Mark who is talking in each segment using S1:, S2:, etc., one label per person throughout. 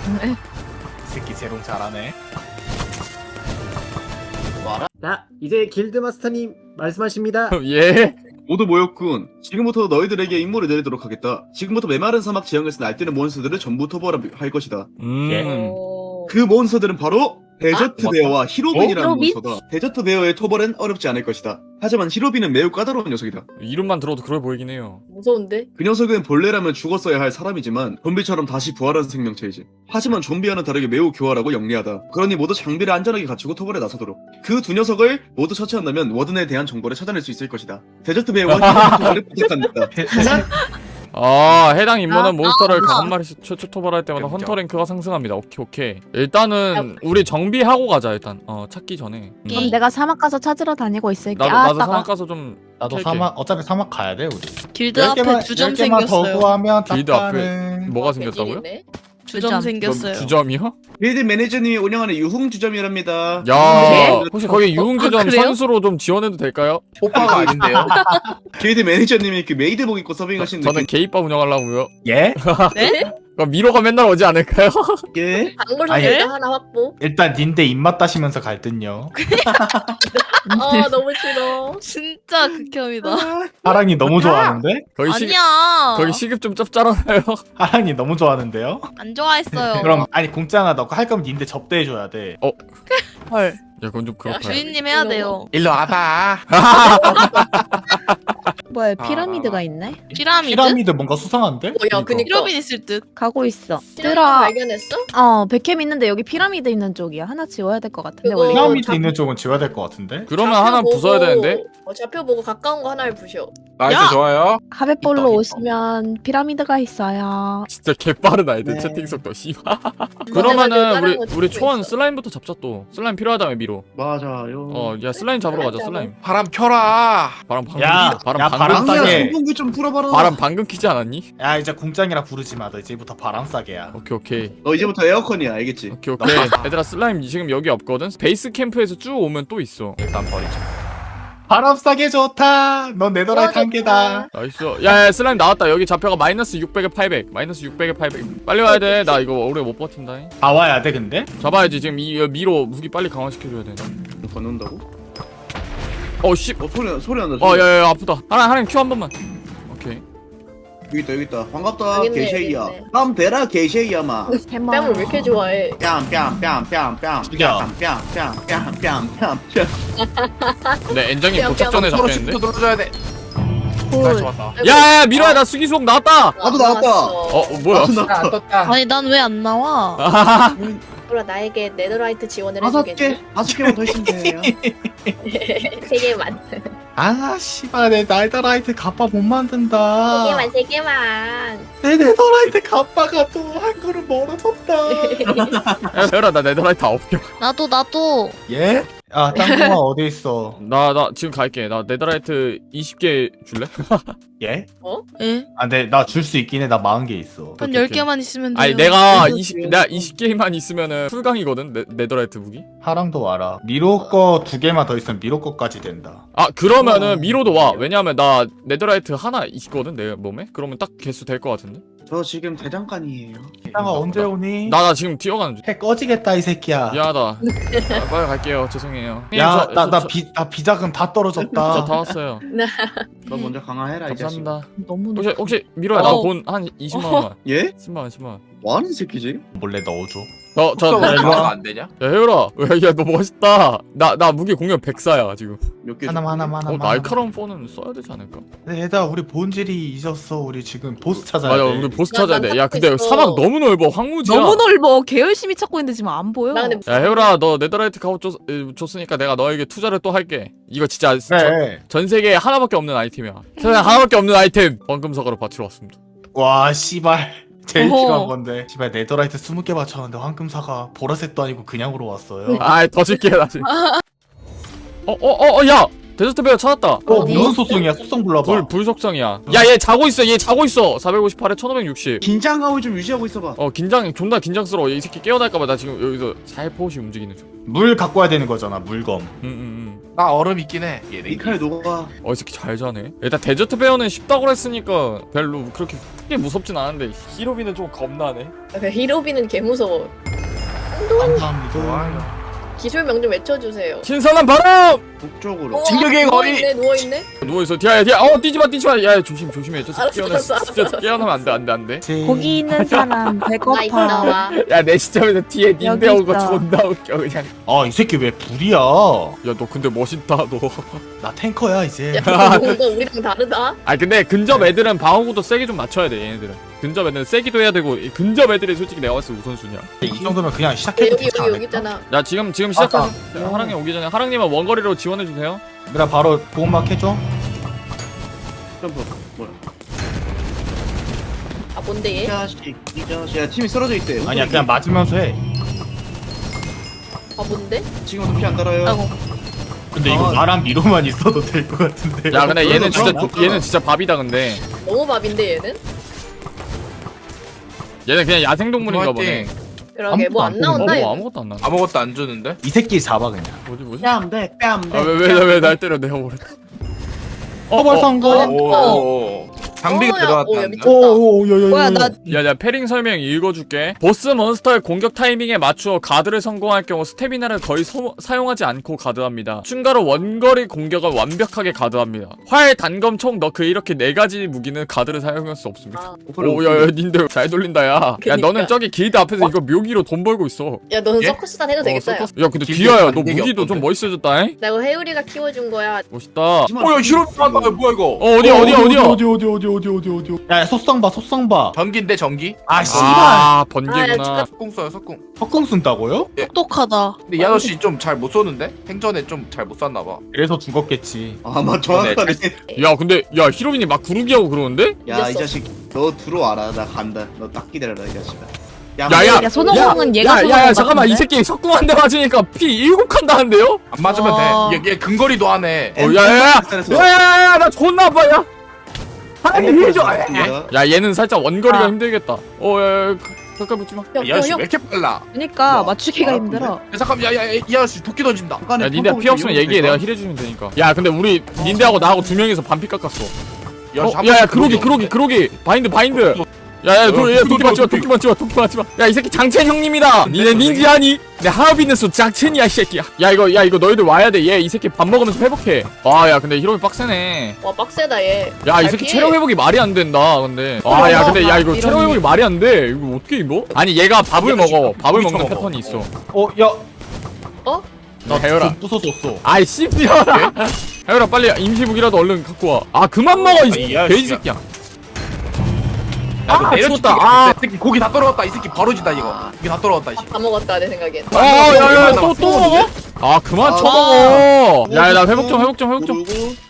S1: 이 새끼 재롱 잘하네.
S2: 자, 이제 길드 마스터님 말씀하십니다.
S3: 예?
S4: 모두 모였군. 지금부터 너희들에게 임무를 내리도록 하겠다. 지금부터 메마른 사막 지형에서 날뛰는 몬스터들을 전부 토벌할 것이다. 그 몬스터들은 바로 데저트 베어와 히로빈이라는
S5: 히로빈?
S4: 몬스터다. 데저트 베어의 토벌은 어렵지 않을 것이다. 하지만 히로빈은 매우 까다로운 녀석이다.
S3: 이름만 들어도 그래 보이긴 해요.
S5: 무서운데?
S4: 그 녀석은 본래라면 죽었어야 할 사람이지만 좀비처럼 다시 부활한 생명체이지. 하지만 좀비와는 다르게 매우 교활하고 영리하다. 그러니 모두 장비를 안전하게 갖추고 토벌에 나서도록. 그 두 녀석을 모두 처치한다면 워든에 대한 정보를 찾아낼 수 있을 것이다. 데저트 베어와 히로빈 토벌을 부탁한다.
S3: 아, 해당 임무는 몬스터를
S5: 아.
S3: 한 마리씩 최초 토벌할 때마다
S1: 그렇죠.
S3: 헌터 랭크가 상승합니다. 오케이. 일단은 우리 정비하고 가자 일단. 찾기 전에.
S5: 그럼 내가 사막 가서 찾으러 다니고 있을게.
S3: 나도
S5: 아따가.
S3: 사막 가서 좀
S1: 나도
S3: 캘게.
S1: 사막 어차피 사막 가야 돼 우리.
S6: 길드 앞에 주점
S1: 10개만 더
S6: 생겼어요.
S1: 구하면
S3: 길드 앞에
S1: 짭가는.
S3: 뭐가 생겼다고요?
S5: 배신이네.
S6: 주점
S5: 주점.
S6: 생겼어요.
S3: 주점이요?
S4: 빌드 매니저님이 운영하는 유흥주점이랍니다.
S3: 야, 혹시 거기 유흥주점
S6: 그래요?
S3: 선수로 좀 지원해도 될까요?
S1: 오빠가 아닌데요?
S4: 빌드 매니저님이 그 메이드복 입고 서빙하시는
S3: 저는 게이바 운영하려고요.
S1: 예?
S6: 네?
S3: 그럼 미로가 맨날 오지 않을까요?
S4: 예?
S5: 박물
S1: 아니,
S5: 상자 하나 확보.
S1: 일단 닌데 입맛 따시면서 갈 듯요.
S5: 아 너무 싫어.
S6: 진짜 극혐이다.
S1: 하랑이 너무 좋아하는데?
S6: 아니야.
S3: 거기 시급 좀 짭짤하나요?
S1: 하랑이 너무 좋아하는데요?
S6: 안 좋아했어요.
S1: 그럼 아니 공짜나 너 할 거면 닌데 접대해줘야 돼.
S6: 헐.
S3: 야, 그건 좀 그렇다.
S6: 주인님 해야 돼요.
S7: 일로 와봐.
S5: 뭐야 피라미드가 있네?
S6: 피라미드?
S1: 피라미드 뭔가 수상한데?
S5: 뭐야 그니까.
S6: 피라미드 있을 듯.
S5: 가고 있어.
S6: 네.
S5: 들어.
S8: 발견했어?
S5: 백캠 있는데 여기 피라미드 있는 쪽이야. 하나 지워야 될 것 같은데
S8: 그거-
S5: 원래.
S1: 피라미드
S8: 잡-
S1: 있는 쪽은 지워야 될 것 같은데?
S3: 그러면
S8: 좌표
S3: 하나
S8: 보고-
S3: 부숴야 되는데?
S8: 좌표 보고 가까운 거 하나를 부셔.
S7: 나이스
S6: 야!
S7: 좋아요.
S5: 하베볼로
S1: 있다.
S5: 오시면 피라미드가 있어요.
S3: 진짜 개빠르다 애들
S4: 네.
S3: 채팅 속도 씨발.
S8: 내가
S3: 그러면은
S8: 다른 거
S3: 우리
S8: 찍고
S3: 초원
S8: 있어.
S3: 슬라임부터 잡자 또. 슬라임 필요하다며 미로.
S4: 맞아요.
S3: 야 슬라임 잡으러 가자
S8: 잡아.
S3: 슬라임.
S7: 바람 펴라.
S3: 바람 방금
S1: 야,
S3: 바람
S1: 야,
S3: 방금
S1: 바람
S4: 방금
S1: 싸게.
S4: 선풍기 좀 풀어봐라.
S3: 바람 방금 키지 않았니?
S1: 야 이제 공장이라 부르지 마. 너 이제부터 바람 싸게야.
S3: 오케이.
S4: 너 이제부터 에어컨이야, 알겠지?
S3: 오케이. 얘들아 슬라임 지금 여기 없거든. 베이스 캠프에서 쭉 오면 또 있어.
S1: 일단 버리자. 바람 싸게 좋다. 넌 네더라이트 한 개다.
S3: 나이스. 야 슬라임 나왔다. 여기 좌표가 마이너스 600에 800. 마이너스 600에 800. 빨리 와야 돼. 나 이거 오래 못 버틴다.
S1: 다 와야 돼 근데?
S3: 잡아야지. 지금 이 미로 무기 빨리 강화시켜줘야 돼.
S4: 건넌다고?
S3: 씨.
S4: 소리 난다.
S3: 야야야 아프다. 하나 큐 한 번만. 오케이.
S4: 여기 있다. 반갑다,
S8: 여기 있네,
S4: 게쉐이야.
S8: 여기 있네.
S4: 땀 대라, 게쉐이야, 마.
S5: 해마.
S8: 뺨을 왜 이렇게 좋아해?
S4: 뺨.
S1: 죽여.
S4: 뺨.
S3: 근데 엔장이
S8: 뿅,
S3: 도착 전에
S7: 서로
S3: 잡혔는데?
S7: 시프트 눌러줘야 돼.
S5: 헐.
S7: 나이스 좋았다.
S3: 야야 미로야 나 수기수옥 나왔다.
S4: 나도 나왔다.
S3: 뭐야?
S7: 안 떴다.
S6: 아니 난 왜 안 나와?
S8: 그럼 나에게 네더라이트 지원을
S4: 5개? 5개만 더 있으면 돼요.
S8: 3개만.
S1: 아 씨발 내 네더라이트 갑바 못 만든다.
S8: 3개만.
S1: 내 네더라이트 갑바가 또 한 그릇 멀어졌다.
S3: 야 세열아 나 네더라이트 9개.
S6: 나도.
S1: 예? 아 땅콩아 어디 있어?
S3: 나 지금 갈게. 나 네더라이트 20개 줄래?
S1: 예?
S6: 예?
S1: 아 근데 나 줄 수 있긴 해. 나 40개 있어.
S6: 한
S3: 오케이.
S6: 10개만 있으면 돼요.
S3: 아니 내가 20개만 있으면은 풀강이거든. 네더라이트 무기.
S1: 하랑도 와라. 미로 거 2개만 더 있으면 미로 거까지 된다.
S3: 그러면은 미로도 와. 왜냐면 나 네더라이트 하나 있거든 내 몸에. 그러면 딱 개수 될 것 같은데.
S4: 저 지금 대장간이에요.
S1: 땅아 언제 오니?
S3: 나 지금 뛰어가는 중.
S1: 해 꺼지겠다 이 새끼야.
S3: 미안하다. 빨리 갈게요. 죄송해요.
S1: 야,
S3: 저-
S1: 나
S3: 저-
S1: 비자금 다
S3: 저
S1: 떨어졌다.
S3: 다 왔어요.
S4: 너 먼저 강화해라, 이 자식.
S3: 감사합니다.
S5: 너무
S3: 혹시 미로야 나 돈 한 20만 원만.
S4: 예?
S3: 10만 원.
S4: 뭐하는 새끼지?
S1: 몰래 넣어줘.
S3: 저
S7: 왜
S3: 야
S7: 이거 안 되냐?
S3: 혜율아. 야너 멋있다. 나 무기 공격 104야 지금.
S4: 몇 개?
S1: 하나만.
S3: 날카로운 폰은 써야 되지 않을까?
S1: 네, 얘들아 우리 본질이 잊었어. 우리 지금 보스 찾아야
S3: 맞아
S1: 돼.
S3: 우리 보스
S8: 나
S3: 찾아야 돼. 야
S8: 찾고
S3: 근데
S8: 있어.
S3: 사막 너무 넓어. 황무지야.
S5: 너무 넓어. 개 열심히 찾고 있는데 지금 안 보여.
S8: 나 근데
S3: 야 혜율아 너 네더라이트 갑옷 줬으니까 내가 너에게 투자를 또 할게. 이거 진짜
S1: 그래.
S3: 전 세계에 하나밖에 없는 아이템이야. 세상에 하나밖에 없는 아이템. 원금석으로 바치러 왔습니다.
S1: 와 씨발. 제일
S6: 어허.
S1: 필요한 건데. 씨발 네더라이트 20개 맞췄는데 황금사가 보라색도 아니고 그냥으로 왔어요.
S3: 더 줄게 나 지금. 야 데저트 베어 찾았다.
S5: 어디?
S1: 무슨 소송이야? 소송 불러봐.
S3: 불속성이야. 야 얘 자고 있어. 얘 자고 있어. 458에 1560.
S4: 긴장감을 좀 유지하고 있어봐.
S3: 존나 긴장스러워. 이 새끼 깨어날까봐 나 지금 여기서 살포시 움직이는 중.
S1: 물 갖고 와야 되는 거잖아. 물검.
S7: 나 얼음 있긴 해.
S4: 이 칼 녹아.
S3: 이 새끼 잘 자네. 일단 데저트 베어는 쉽다고 했으니까 별로 그렇게 크게 무섭진 않은데 히로비는 좀 겁나네.
S8: 히로비는 개 무서워.
S1: 감사합니다.
S7: 좋아요.
S8: 기술 명 좀 외쳐주세요.
S3: 신선한 바람!
S4: 북쪽으로.
S7: 진격의 거리!
S8: 누워있네 누워있네.
S3: 누워있어. 뒤야. 뛰지마. 야 조심해. 저 새끼
S8: 알았어.
S3: 진짜 깨어나면 안돼.
S5: 거기 있는 사람
S8: 나
S5: 배고파.
S8: 있나와.
S3: 야 내 시점에서 뒤에 닌데
S5: 여기
S3: 오고
S5: 있어.
S3: 존나 웃겨 그냥.
S1: 이 새끼 왜 불이야?
S3: 야 너 근데 멋있다 너.
S1: 나 탱커야 이제.
S8: 야 뭔가 우리랑 다르다.
S3: 근데 근접 애들은 방어구도 세게 좀 맞춰야 돼 얘네들은. 근접 애들은 세기도 해야 되고 이 근접 애들이 솔직히 내가 봤을 때 우선순위야.
S1: 이 정도면 그냥
S8: 야,
S1: 시작해도
S8: 여기
S1: 되지
S8: 여기
S1: 않을까?
S8: 있잖아.
S3: 야 지금 시작하자. 하랑님 오기 전에 하랑님은 원거리로 지원해주세요.
S1: 얘들아 바로 보호막 해줘.
S4: 점프. 뭐야?
S8: 아 뭔데
S4: 이
S8: 얘?
S4: 자식. 야 팀이 쓰러져 있대.
S1: 아니야 그냥 맞으면서 해.
S8: 아 뭔데?
S4: 지금도 피 안 달아요.
S6: 아이고.
S1: 근데 이거 나랑 미로만 있어도 될 것 같은데.
S3: 야 근데 얘는
S4: 그럼
S3: 얘는 진짜 밥이다 근데.
S8: 너무 밥인데 얘는?
S3: 얘는 그냥 야생동물인가 보네.
S8: 그러게 뭐 안 나온다
S3: 뭐
S8: 얘.
S3: 아무것도 안 나.
S7: 아무것도 안 주는데?
S1: 이 새끼 잡아 그냥.
S3: 뭐지?
S4: 뺨대 뺨대.
S3: 왜 날 때려 내가 버렸다.
S1: 허벌 성공.
S7: 오. 장비가
S8: 야
S7: 들어왔다는데?
S8: 미쳤다.
S1: 오오오야야야.
S5: 뭐야 나
S3: 야야 패링 설명 읽어줄게. 보스 몬스터의 공격 타이밍에 맞추어 가드를 성공할 경우 스태미나를 거의 사용하지 않고 가드합니다. 추가로 원거리 공격을 완벽하게 가드합니다. 활, 단검, 총, 너크 이렇게 4가지 무기는 가드를 사용할 수 없습니다.
S8: 아,
S3: 오야야 닌들 잘 돌린다 야. 야
S8: 그니까.
S3: 너는 저기 길드 앞에서 이거 묘기로 돈 벌고 있어.
S8: 야 너는
S7: 예?
S8: 서커스단 해도 되겠다. 야.
S3: 야 근데
S7: 길드
S3: 디아야 너
S7: 반대기
S3: 무기도 좀
S7: 없던데.
S3: 멋있어졌다. 잉?
S8: 나 이거 해우리가 키워준 거야.
S3: 멋있다.
S7: 야 히로 나왔다. 뭐야 이거?
S3: 어디야?
S1: 야 속성 봐.
S7: 전기인데 전기?
S1: 아 씨발.
S3: 아
S8: 아,
S3: 번개구나.
S8: 야,
S7: 석궁 써요 석궁.
S1: 석궁 쓴다고요?
S6: 똑똑하다.
S7: 근데 이 아저씨 좀 잘 못 쏘는데? 생전에 좀 잘 못 쐈나 봐.
S1: 그래서 죽었겠지.
S4: 아마 정확하네.
S3: 야 근데 야 히로빈이 막 구르기하고 그러는데?
S4: 야 이 자식 너 들어와라. 나 간다. 너 딱 기다려라 이 자식아.
S3: 야야.
S5: 야 손오공은 얘가
S3: 야 잠깐만 이 새끼 석궁 한 대 맞으니까 피 7칸 나는데요?
S7: 안 맞으면
S6: 와.
S7: 돼. 얘 근거리도 하네.
S3: 야야야야 나 존나 아파 야. 하나님 해줘.
S4: 야
S3: 야 얘는 살짝 원거리가
S5: 아.
S3: 힘들겠다. 야야 가까이 붙지 마.
S7: 이 아저씨 왜 이렇게 빨라?
S5: 그러니까
S4: 야,
S5: 맞추기가
S4: 알았는데?
S5: 힘들어.
S7: 야, 잠깐만 이 아저씨 도끼 던진다.
S3: 야 닌데 피 없으면 얘기해 내가 힐해주면 되니까. 야 근데 우리 닌데하고 나하고 2명이서 반피 깎았어. 야야 그러기 바인드. 야야 도끼 맞지마. 야 이 새끼 장첸 형님이다. 니네 닌지 아니? 내 하우비는수 장첸이야 이 새끼야. 야 이거 너희들 와야 돼. 얘 이 새끼 밥 먹으면서 회복해. 야 근데 히로미 빡세네.
S8: 와 빡세다 얘.
S3: 야 이 새끼
S8: 알피?
S3: 체력 회복이 말이 안 된다 근데. 야 근데 야 이거 체력 회복이 말이 안 돼. 이거 어떻게 이거? 아니 얘가 밥을 먹어. 밥을 먹는
S7: 먹어.
S3: 패턴이 있어.
S1: 야.
S8: 어?
S3: 나 해열아.
S1: 부숴줬어.
S3: 아이 씨발아. 해열아 빨리 임시무기라도 얼른 갖고 와. 그만 먹어 이
S7: 이 아저씨가.
S3: 돼지 새끼야.
S7: 야,
S3: 죽었다.
S7: 아, 이 새끼 고기 다 떨어졌다. 이 새끼 바로지다 이거. 고기 다 떨어졌다. 이 새끼.
S8: 다 먹었다 내 생각엔.
S3: 야야 또 먹어? 그만
S4: 아,
S3: 쳐먹어. 야야 나 회복 좀.
S4: 모르고.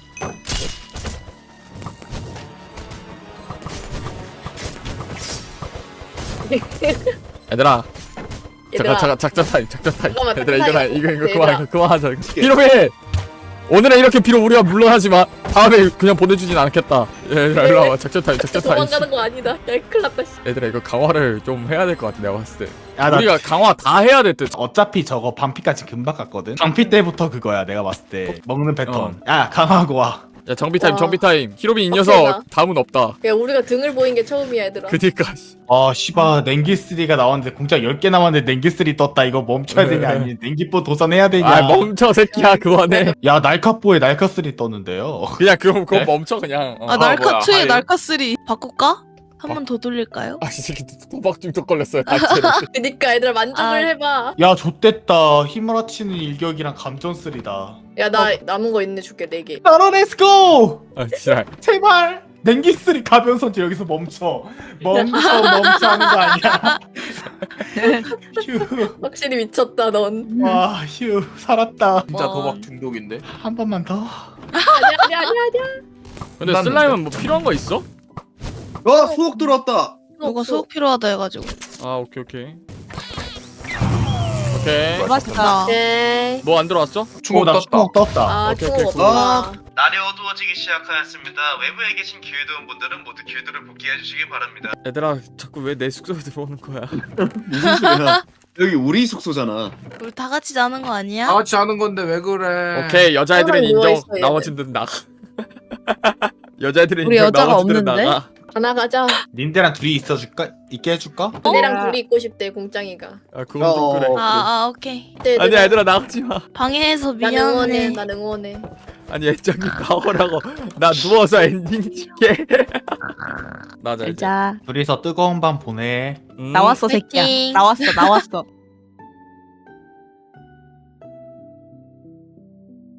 S3: 얘들아.
S8: 얘들아.
S3: 잠깐 작전 타임.
S8: 잠깐만,
S3: 얘들아
S8: 작전 타임.
S3: 이거 그만하자. 히로미. 오늘은 이렇게 비록 우리가 물러나지만 다음에 그냥 보내주진 않겠다. 얘들아 일로 와봐. 작전 타임.
S8: 도망가는 거 아니다. 야 큰일 났다. 씨.
S3: 얘들아 이거 강화를 좀 해야 될 것 같아 내가 봤을 때.
S1: 야, 나
S3: 우리가 강화 다 해야 될 듯.
S1: 어차피 저거 반피까지 금방 갔거든. 반피 때부터 그거야 내가 봤을 때 먹는 패턴. 야 강하고 와.
S3: 야 정비 타임. 히로빈 이
S8: 빡세다.
S3: 녀석 다음은 없다.
S8: 야 우리가 등을 보인 게 처음이야 얘들아.
S3: 그니까.
S1: 씨발 냉기3가 나왔는데 공짜 10개 남았는데 냉기3 떴다. 이거 멈춰야 되냐 아니 냉기뽀 도전해야 되냐.
S3: 아 멈춰 새끼야 그거네.
S1: 야 날카뽀에 날카3 떴는데요.
S3: 그냥 그거
S7: 네?
S3: 멈춰 그냥.
S6: 아 날카
S7: 뭐야,
S6: 2에
S7: 하이.
S6: 날카 3 바꿀까? 한 번 더 돌릴까요?
S3: 이 새끼 도박 중독 걸렸어요. 단체로.
S8: 그니까 얘들아 만족을
S6: 아.
S8: 해봐.
S1: 야 좆됐다. 힘을아치는 일격이랑 감전3다.
S8: 야 나 남은 거 있네 줄게 4개.
S1: 나로 렛츠고.
S3: 지랄.
S1: 제발 냉기3 가변선 여기서 멈춰 하는 거 아니야. 휴.
S8: 확실히 미쳤다 넌.
S1: 와, 휴, 살았다.
S7: 진짜
S6: 와.
S7: 도박 중독인데.
S1: 한 번만 더.
S8: 아니야.
S3: 근데
S7: 끝났는데?
S3: 슬라임은 뭐 필요한 거 있어?
S4: 수옥 들어왔다.
S6: 누가 수업 필요하다 해가지고.
S3: 아 오케이. 오케이.
S6: 맛있다.
S8: 오케이.
S3: 뭐 안 들어왔어?
S7: 충고
S1: 나
S7: 떴다.
S1: 추억 떴다.
S8: 아
S3: 오케이,
S8: 충고
S3: 오케이,
S8: 없다.
S4: 날이 어두워지기 시작하였습니다. 외부에 계신 길드원분들은 모두 길드를 복귀해 주시기 바랍니다.
S3: 얘들아 자꾸 왜 내 숙소에 들어오는 거야?
S4: 무슨 소리야? 여기 우리 숙소잖아.
S6: 우리 다 같이 자는 거 아니야?
S7: 다 같이 하는 건데 왜 그래?
S3: 오케이 여자애들은
S8: 항상
S3: 인정.
S8: 누워있어, 얘는.
S3: 나머지들은 나가. 여자애들은
S5: 우리
S3: 인정.
S5: 여자가
S3: 나머지들은
S5: 없는데?
S3: 나가.
S8: 하나 가자.
S1: 닌데랑 둘이 있어줄까? 있게 해줄까?
S8: 내랑 둘이 있고 싶대 공짱이가.
S3: 아 그건 좀 그래.
S6: 아 오케이.
S8: 네,
S3: 아니 얘들아 나가지 마.
S6: 방해해서
S8: 난 응원해.
S6: 미안해.
S8: 난 응원해.
S3: 아니 애정이 나오라고. 나 누워서 엔딩 찍게. 나자 이제.
S5: 자
S1: 둘이서 뜨거운 밤 보내.
S3: 음.
S5: 나왔어 새끼야.
S6: 파이팅.
S5: 나왔어.